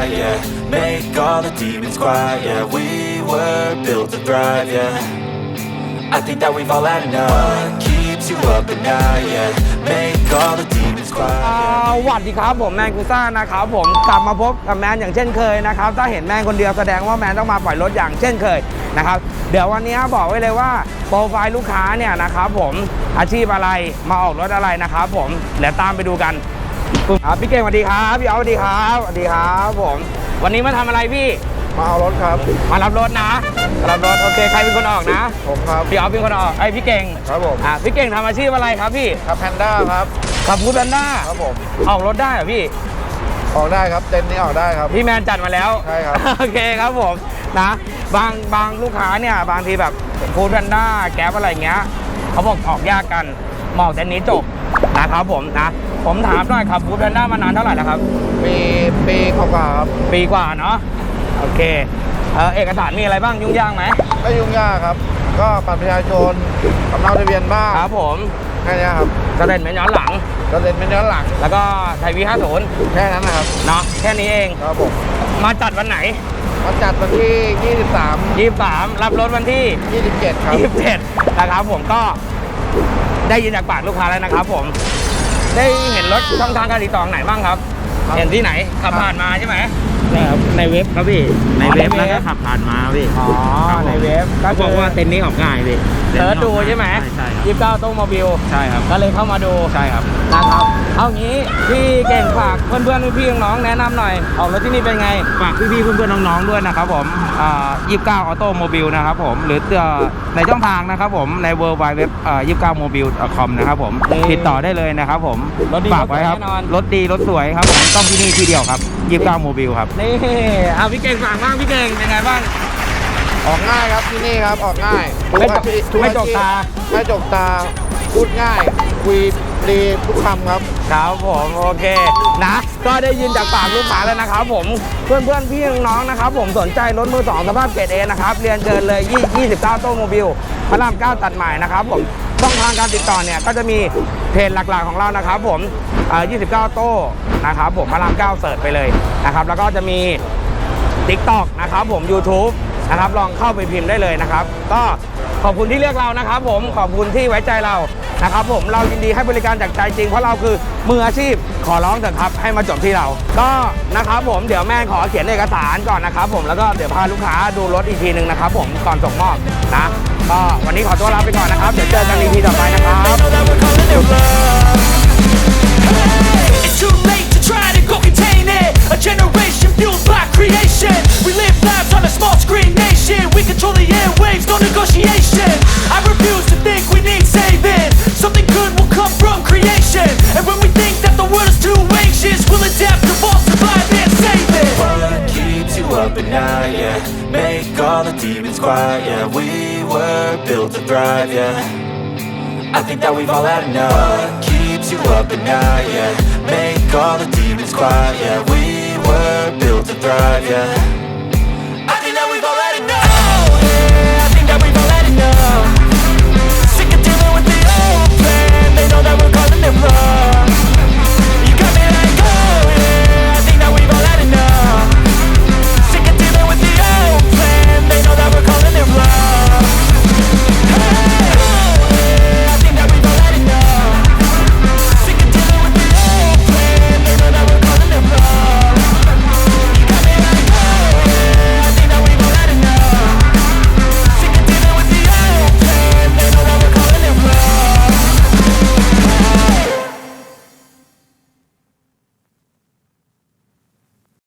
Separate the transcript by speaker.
Speaker 1: yeah. Make all the demons quiet, yeah. We were built to thrive, yeah. I think that we've all had enough. What keeps you up at night, yeah. Make all the demons quiet, yeah.
Speaker 2: สวัสดีครับผมแมนกูซ่านะครับผมกลับมาพบกับแมนอย่างเช่นเคยนะครับถ้าเห็นแมนคนเดียวแสดงว่าแมนต้องมาปล่อยรถอย่างเช่นเคยนะครับเดี๋ยววันนี้บอกไว้เลยว่าโปรไฟล์ลูกค้าเนี่ยนะครับผมอาชีพอะไรมาออกรถอะไรนะครับผมเดี๋ยวตามไปดูกันพี่เก่งสวัสดีครับพี่เอาสวัสดีครับสวัสดีครับผมวันนี้มาทำอะไรพี่
Speaker 3: มาเอารถครับ
Speaker 2: มารับรถนะรับรถโอเคใครเป็นคนออกนะ
Speaker 3: ผมครับ
Speaker 2: พี่เอาเป็นคนออกไอพี่เก่ง
Speaker 3: ครับผม
Speaker 2: พี่เก่งทำอาชีพอะไรครับพี่
Speaker 3: ขับแพนด้าครับ
Speaker 2: ขับฟู้ดแพนด้า
Speaker 3: ครับผม
Speaker 2: ออกรถได้เหรอพี่
Speaker 3: ออกได้ครับเต็นท์นี้ออกได้ครับ
Speaker 2: พี่แมนจัดมาแล้ว
Speaker 3: ใช่ครับ
Speaker 2: โอเคครับผมนะบางลูกค้าเนี่ยบางทีแบบฟู้ดแพนด้าแก๊ปอะไรเงี้ยเขาบอกออกยากกันหมอกเต็นท์นี้จบนะครับผมนะผมถามหน่อยครับฟู้ดแพนด้ามานานเท่าไหร่แล้วครับ
Speaker 3: ปีกว่าครับ
Speaker 2: ปีกว่าเนาะโอเคเอกสารมีอะไรบ้างยุ่งยากไหม
Speaker 3: ไม่ยุ่งยากครับก็บัตรประชาชนสำเนาทะเบียนบ้าน
Speaker 2: ครับผม
Speaker 3: แค่นี้ครับ
Speaker 2: สเตทเมนต์ย้อนหลังแล้วก็ไทยวี50
Speaker 3: แค่นั้นนะครับ
Speaker 2: เนาะแค่นี้เอง
Speaker 3: ครับผม
Speaker 2: มาจัดวันไหน
Speaker 3: มาจัดวันที่23
Speaker 2: รับรถวันที่
Speaker 3: 27ครับ
Speaker 2: 27นะครับผมก็ได้ยินจากปากลูกค้าแล้วนะครับผมได้เห็นรถช่องทางการติดต่อไหนบ้างครับเห็นที่ไหนขับผ่านมาใช่ไหม
Speaker 4: ในเว็บครับพี่ในเว็บแล้วก็ขับผ่านมาพี่
Speaker 2: อ๋อในเว็บ
Speaker 4: ก็บอกว่าเต็นท์นี้ออกง่ายพี่
Speaker 2: เสิร์ชดูใช่ไหม
Speaker 4: ใช่ครับ
Speaker 2: 29 โต้โมบิล
Speaker 4: ใช่ครับ
Speaker 2: ก็เลยเข้ามาดู
Speaker 4: ใช่ครับ
Speaker 2: นะครับเอางี้พี่เก่งฝากเพื่อนๆพี่ๆน้องๆแนะนำหน่อยออกรถที่นี่เป็นไง
Speaker 4: ฝากพี่ๆเพื่อนๆน้องๆด้วยนะครับผม29 ออโต้โมบิลนะครับผมหรือในช่องทางนะครับผมใน www.29mobil.com นะครับผมติดต่อได้เลยนะครับผมฝากไว้ครับรถดีรถสวยครับผมต้องที่นี่ที่เดียวครับ29โมบิลครับ
Speaker 2: นี่เอาพี่เก่งฝากบ้างพี่เก่งเป็นไงบ้าง
Speaker 3: ออกง่ายครับที่นี่ครับออกง่าย
Speaker 2: ไม่จกตา
Speaker 3: พูดง่ายคุยดีทุกคำครับ
Speaker 2: ครับผมโอเคนะก็ได้ยินจากปากลูกค้าแล้วนะครับผมเพื่อนพี่น้องนะครับผมสนใจรถมือ2สภาพเกรด A นะครับเรียนเชิญเลย29 โต้โมบิลพระราม 9ตัดใหม่นะครับผมช่องทางการติดต่อเนี่ยก็จะมีเพจหลักๆของเรานะครับผม29 โต้นะครับผมพระราม 9เสิร์ชไปเลยนะครับแล้วก็จะมี TikTok นะครับผม YouTube นะครับลองเข้าไปพิมพ์ได้เลยนะครับก็ขอบคุณที่เลือกเรานะครับผมขอบคุณที่ไว้ใจเรานะครับผมเรายินดีให้บริการจากใจจริงเพราะเราคือมืออาชีพขอร้องเถอะครับให้มาจบที่เราก็นะครับผมเดี๋ยวแม่ขอเขียนเอกสารก่อนนะครับผมแล้วก็เดี๋ยวพาลูกค้าดูรถอีกทีนึงนะครับผมก่อนส่งมอบนะก็วันนี้ขอตัวลาไปก่อนนะครับเดี๋ยวเจอกันอีพีต่อไปนะครับ
Speaker 1: It's too late to try to go contain it. A generation fueled by creation. We live lives on a small screen nation. We control the airwaves, no negotiation. I refuse to think we need saving. Something good will come from creation. And when we think that the world is too anxious, we'll adapt, evolve, survive, and save it. What keeps you up at night, yeah? Make all the demons quiet, yeah. We were built to thrive, yeah. I think that we've all had enough. What keeps you up at night, yeah? Make all the demons quiet, yeah. We were built to thrive, yeah.